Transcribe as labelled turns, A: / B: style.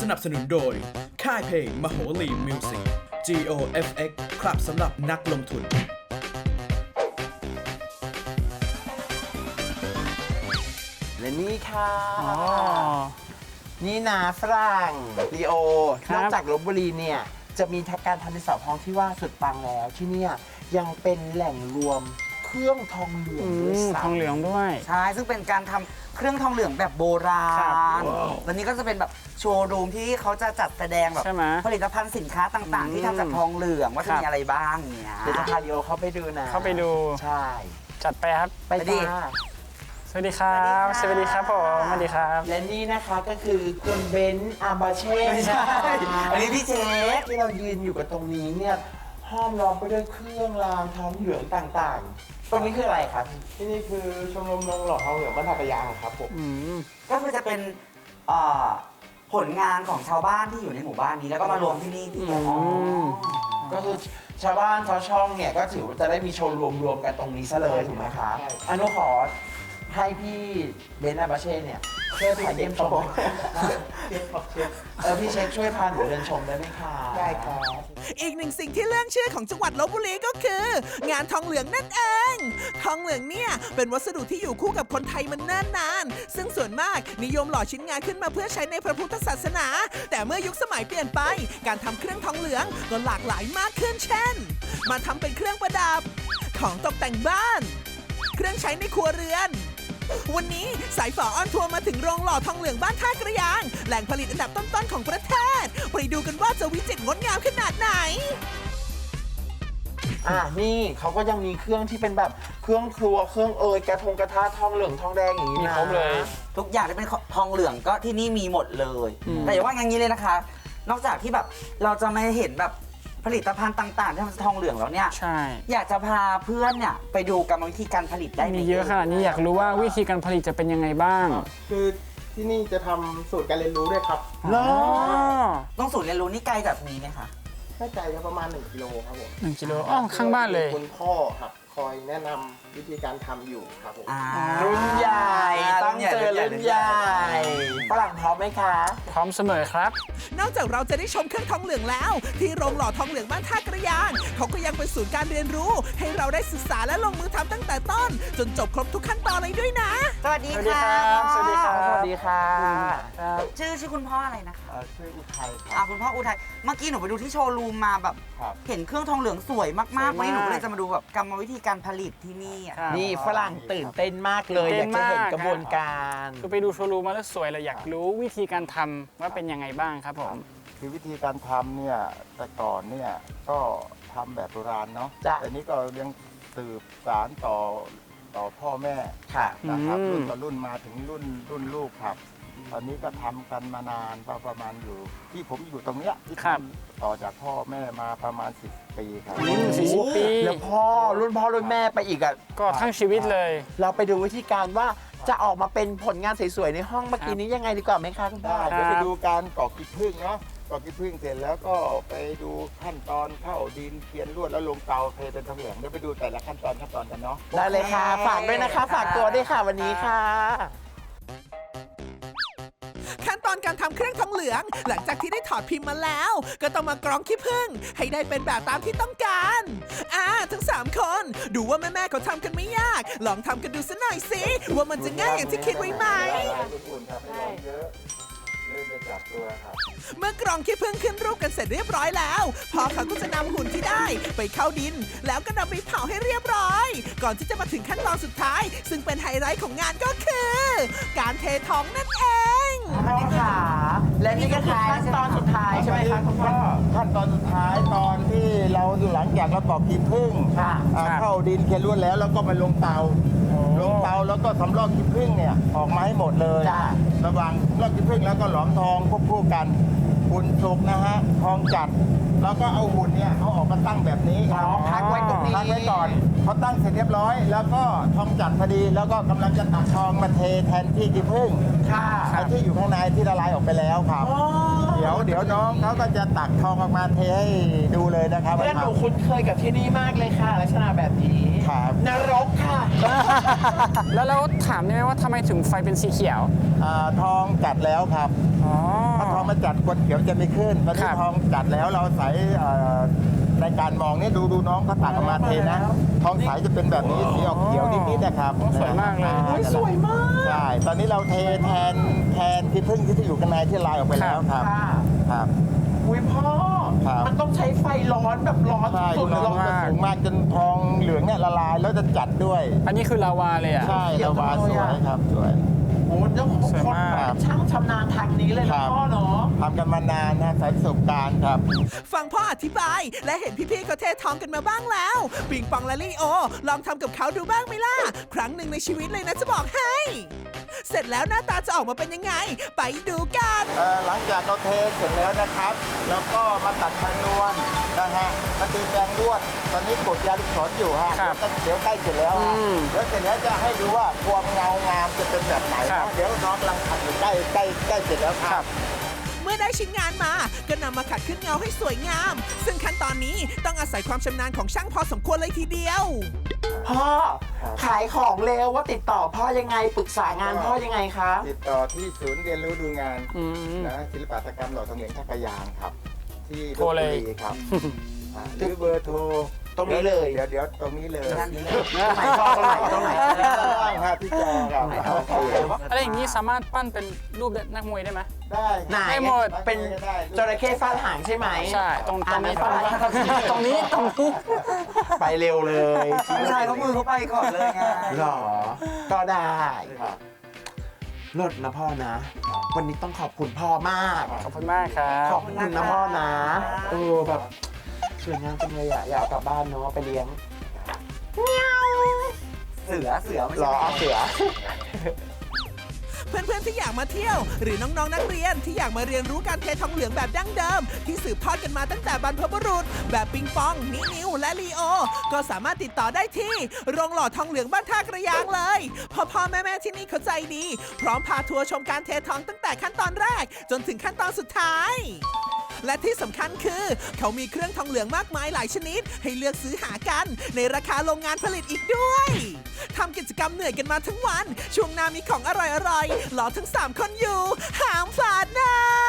A: นับสนุนโดยค่ายเพลงมโหรีมิวสิก GOFX ครับสำหรับนักลงทุน
B: และนี่ค่ะนี่นะฝรั่งลีโอ นอกจากลพบุรีเนี่ยจะมีการทำในสาวท้องที่ว่าสุดปังแล้วที่เนี่ยยังเป็นแหล่งรวมเครื่องทองเหลืองด้วยซ้ำ
C: ทองเหลืองด้วย
D: ใช่ซึ่งเป็นการทำเครื่องทองเหลืองแบบโบราณแล้วนี้ก็จะเป็นแบบโชว์รูมที่เขาจะจัดแสดงแบบผลิตภัณฑ์สินค้าต่างๆ ที่ทำจากทองเหลืองว่าจะมีอะไรบ้างเนี่ย
B: เดี๋ยวจะพาลีโอเข้าไปดูนะ
C: เข้าไปดู
B: ใช่
C: จัดไปครับ
B: ไปดิ
C: สวัสดีครับสวัสดีครับผมสวัสดีครับ
B: และนี่นะคะก็คือคุณเบนซ์อาบาเช่
D: ไม่ใช่อันนี้พี่เจ๊
B: ที่เรายืนอยู่กับตรงนี้เนี่ยห้อมล้อมไปด้วยเครื่องรางทองเหลืองต่างๆ ตรงนี้คืออะไรครับ
E: ที่นี่คือชมรมนงหล่อทองเหลืองบ้านท่ากระยางครับผม
D: ก็คือจะเป็นผลงานของชาวบ้านที่อยู่ในหมู่บ้านนี้แล้วก็มารวมที่นี่ที่
B: ก็คือชาวบ้านชาวช่องเนี่ยก็ถือว่าจะได้มีโชว์รวมกันตรงนี้ซะเลยถูกไหมครับอนุขอให้พี่เบนซ์อาบาเช่เนี่ยช่วยพาเยี่ยมชมพี่เช็คช่วยพาหนูเดินชมได้ไหมคะได้ครับ
F: อีกหนึ่งสิ่งที่เรื่องชื่อของจังหวัดลพบุรีก็คือ งานทองเหลืองนั่นเอง ทองเหลืองเนี่ยเป็นวัสดุที่อยู่คู่กับคนไทยมันเนิ่นนานซึ่งส่วนมากนิยมหล่อชิ้นงานขึ้นมาเพื่อใช้ในพระพุทธศาสนา แต่เมื่อยุคสมัยเปลี่ยนไปการทำเครื่องทองเหลืองก็หลากหลายมากขึ้นเช่นมาทำเป็นเครื่องประดับของตกแต่งบ้าน เครื่องใช้ในครัวเรือนวันนี้สายฝอออนทัวร์มาถึงโรงหล่อทองเหลืองบ้านท่ากระยางแหล่งผลิตอันดับต้นๆของประเทศไปดูกันว่าจะวิจิตรงดงามขนาดไหน
B: นี่เขาก็ยังมีเครื่องที่เป็นแบบเครื่องครัวเครื่องกระทะทองเหลืองทองแดงอย่างนี้
C: มี
B: นะ
C: ครบเลย
D: ทุกอย่างที่เป็นทองเหลืองก็ที่นี่มีหมดเลยแต่อย่าว่าอย่างนี้เลยนะคะ นอกจากที่แบบเราจะไม่เห็นแบบผลิตภัณฑ์ต่างๆที่ทำจากทองเหลืองแล้วเนี่ย
C: ใช่
D: อยากจะพาเพื่อนเนี่ยไปดูกรรมวิธีการผลิตได้ไห
C: มีเยอะขนาดนี้อยากรู้ว่าวิธีการผลิตจะเป็นยังไงบ้าง
E: คือที่นี่จะทำสูตรการเรียนรู้ด้วยครับ
D: ต้องศูนย์เรียนรู้นี่ไกลจากนี้ไหมคะ
E: ไม่ไกลครับประมาณ1กิโลครับผม
C: 1 กิโลอ๋อข้างบ้านเลย
E: คุณพ่อครับคอยแนะนำวิธีการทำอยู่ครับผม
B: รุ่นใหญ่ต้องเจอรุ่นใหญ่ฝรั่งพร้อมไหมคะ
C: พร้อมเสมอครับ
F: นอกจากเราจะได้ชมเครื่องทองเหลืองแล้ว ที่โรงหล่อทองเหลืองบ้านท่ากระยางเขาก็ยังเป็นศูนย์การเรียนรู้ ให้เราได้ศึกษาและลงมือทำตั้งแต่ต้น จนจบครบทุกขั้นตอนเลยด้วยนะ
D: สวัสดี
C: สวัสดี
D: ค่ะ
C: ครับสวัสดีครับ
B: สวัสดีค่ะ
D: ชื่อคุณพ่ออะไรนะคะ
B: ช่วยอุทัยครับ
D: คุณพ่ออุทัยเมื่อกี้หนูไปดูที่โชว์รูมมาแบบ
B: ครับ
D: เห็นเครื่องทองเหลืองสวยมากๆวันนี้หนูก็เลยจะมาดูแบบกรรมวิธีการผลิตที่นี่อะ
C: ครับ
B: นี่ฝรั่งตื่นเต้นมากเลยอยากจะเห็นกระบวนการ
C: คือไปดูโชว์รูมมาแล้วสวยเราอยากรู้วิธีการทำว่าเป็นยังไงบ้างครับผม
G: คือวิธีการทำเนี่ยแต่ก่อนเนี่ยก็ทำแบบโบราณเนาะ
B: จ้ะ
G: แต่นี้ก็ยังสืบสารต่อพ่อแม่
B: ค่ะ
G: นะครับ
C: อืม
G: รุ่นต่อรุ่นมาถึงรุ่นลูกครับ ตอนนี้ก็ทำกันมานานประมาณอยู่ที่ผมอยู่ตรงเนี้ยที่ทำต่อจากพ่อแม่มาประมาณ10 ปีครับ
C: 40 ปี
B: แล้วรุ่นพ่อรุ่นแม่ไปอีกอ่ะ
C: ก็ทั้งชีวิตเลย
B: เราไปดูวิธีการว่าจะออกมาเป็นผลงานสวยๆในห้องเมื่อกี้นี้ยังไงดีกว่าไหมคะคุณพ่อ
G: เดี๋ยวไปดูการกรอกขี้ผึ้งเนาะกรอกขี้ผึ้งเสร็จแล้วก็ไปดูขั้นตอนเข้าดินเขียนลวดแล้วลงเตาเทเป็นทองเหลืองเดี๋ยวไปดูแต่ละขั้นตอนกันเนาะ
B: ได้เลยค่ะ ฝากด้วยนะคะ ฝากตัวด้วยค่ะวันนี้ค่ะ
F: ขั้นตอนการทำเครื่องทองเหลือง หลังจากที่ได้ถอดพิมพ์มาแล้ว ก็ต้องมากรองขี้ผึ้งให้ได้เป็นแบบตามที่ต้องการทั้ง3คนดูว่าแม่ๆเขาทำกันไม่ยาก ลองทำกันดูสักหน่อยสิว่ามันจะง่ายอย่างที่คิดไว้ไหม เมื่อกรองขี้ผึ้งขึ้นรูปกันเสร็จเรียบร้อยแล้วพ่อเขาก็จะนำหุ่นที่ได้ไปเข้าดิน แล้วก็นำไปเผาให้เรียบร้อย ก่อนที่จะมาถึงขั้นตอนสุดท้าย ซึ่งเป็นไฮไลท์ของงานก็คือ การเททองนั่นเอง
B: พ่อขาและนี่ก็คือขั้นตอนสุดท้ายใช่ไหมคะคุณพ่อ
G: ขั้นตอนสุดท้ายตอนที่เราหลังจากเรากรอกขี้ผึ้ง
B: ค่ะ
G: เข้าดินเขียนลวดแล้วก็มาลงเตาแล้วก็สำรอกขี้ผึ้งเนี่ยออกมาให้หมดเลย
B: จ้ะ
G: ระหว่างลอกขี้ผึ้งแล้วก็หลอมทองควบคู่กันคุณสุกนะฮะทองจัดเราก็เอาหุ่นเนี่ยเอาออกมาตั้งแบบนี้ครับ
B: อ๋อพักไว้ตรงนี้
G: พักไว้ก่อนพอตั้งเสร็จเรียบร้อย แล้วก็ทองจัดพอดี แล้วก็กำลังจะตักทองมาเทแทนที่ขี้ผึ้ง
B: ค่ะ
G: ไอ้ที่อยู่ข้างในที่ละลายออกไปแล้วครับ
B: อ๋อ
G: เดี๋ยวน้องเขาก็จะตักทองออกมาเทให้ดูเลยนะครับ
B: เพื่อนหนูคุ้นเคยกับที่นี่มากเลยค่ะ ลักษณะแบบนี้
G: ครับ
B: นรกค่ะ
C: แล้วเราถามได้ไหมว่าทำไมถึงไฟเป็นสีเขียว
G: ทองจัดแล้วครับ
C: อ๋อ
G: ถ้าทองมาจัดกดเขียวจะไม่ขึ้นตอน
C: ค
G: นี้
C: รับ
G: ทองจัดแล้วเราใส่ในการมองนี่ดูน้องเขาตักออกมาเทนะ ทองใสจะเป็นแบบนี้สีออกเขียวนิดๆนะครับ
C: สวยมากเลย
B: โอ้ยสวยมาก
G: ใช่ ตอนนี้เราเทแทนที่พึ่งที่อยู่ข้างในที่ลายออกไปแล้วครับ
B: ค่ะ
G: ครับ
B: อุ้ยพ่อ
G: ครับ
B: มันต้องใช้ไฟร้อนแบบร้อน
G: ใช่
B: สุดๆ
G: น้
B: เล
G: อง
B: ย
G: จะสูงมากจนทองเหลืองเนี่ยละลายแล้วจะจัดด้วย
C: อันนี้คือลาวาเลยอ่ะ
G: ใช่ระวาสวยครับสวย
B: โอ้เจ้าของ
C: สวย
B: คน
C: มาก
B: แบบช่างชำนาญทางนี้เลย
G: ครั
B: นะ
G: บ
B: พ่อเนาะ
G: ทำกันมานานนะสายประสบการณ์ครับ
F: ฟังพ่ออธิบาย และเห็นพี่ๆเขาเททองกันมาบ้างแล้ว ปิงปองและลีโอ ลองทำกับเขาดูบ้างไหมล่ะ ครั้งหนึ่งในชีวิตเลยนะจะบอกให้ เสร็จแล้วหน้าตาจะออกมาเป็นยังไง ไปดูกัน
G: หลังจากเราเทเสร็จแล้วนะครับ แล้วก็มาตัดชนวนนะฮะมาตีแปรงลวด ตอนนี้กดยาลูกศรอยู่ฮะ
C: ครับ
G: เดี๋ยวใกล้เสร็จแล้วฮะ
C: อืม
G: แล้วเสร็จแล้วจะให้ดูว่าความเงางามจะเป็นแบบไหน
C: ครับ
G: เดี๋ยวน้องกำลังทำอยู่ใกล้เสร็จแล้วครับ
F: เมื่อได้ชิ้นงานมาก็นำมาขัดขึ้นเงาให้สวยงาม ซึ่งขั้นตอนนี้ต้องอาศัยความชำนาญของช่างพอสมควรเลยทีเดียว
B: พ่อขายของเร็วว่าติดต่อพ่อยังไงปรึกษางานพ่อยังไงคะ
G: ติดต่อที่ศูนย์เรียนรู้ดูงาน
C: อืม
G: นะศิลปหัตถกรรมหล่อทองเหลืองท่ากระยางครับ ที่
C: โทรเลย
G: บุรีครับหรือเบอร์โทร
B: ตรงนี้เลย
G: เดี๋ยวตรงนี้เลย
B: ตรงไหนพ่อตรงไหนตรงไหน
G: ได้ครับพี่จอครับ
C: อะไรอย่างนี้สามารถปั้นเป็นรูปนักมวยได้ไหม
G: ได้
B: ไหน
C: ได้หมด
B: เป็นจระเข้ฟาดหางใช่ไหม
C: ใช่ ตรง
B: อ่า
C: นี้
B: ไม่เป็นไร
C: ตรงนี้
B: ไปเร็วเลยจริง
D: ผู้ชายเขามือเขาไปก่อนเลยไง
B: หรอ ก็ได้
G: ครับ
B: ลดนะพ่อนะ วันนี้ต้องขอบคุณพ่อมาก
C: ขอบคุณมากครับ
B: ขอบคุณนะพ่อนะแบบสวยงามจังเลยอ่ะอยากเอากลับบ้านเนาะไปเลี้ยง
D: เสือไม่
B: ร
D: ใช่
B: อเอาเสือ
F: เพื่อนๆที่อยากมาเที่ยว หรือน้องๆนักเรียนที่อยากมาเรียนรู้การเททองเหลืองแบบดั้งเดิม ที่สืบทอดกันมาตั้งแต่บรรพบุรุษ แบบปิงปองนิวและลีโอ ก็สามารถติดต่อได้ที่โรงหล่อทองเหลืองบ้านท่ากระยางเลยพ่อแม่ๆที่นี่เขาใจดี พร้อมพาทัวร์ชมการเททองตั้งแต่ขั้นตอนแรก จนถึงขั้นตอนสุดท้าย และที่สำคัญคือ เขามีเครื่องทองเหลืองมากมายหลายชนิด ให้เลือกซื้อหากัน ในราคาโรงงานผลิตอีกด้วยทำกิจกรรมเหนื่อยกันมาทั้งวัน ช่วงหน้ามีของอร่อยๆรอทั้ง 3 คนอยู่ห้ามพลาดนะ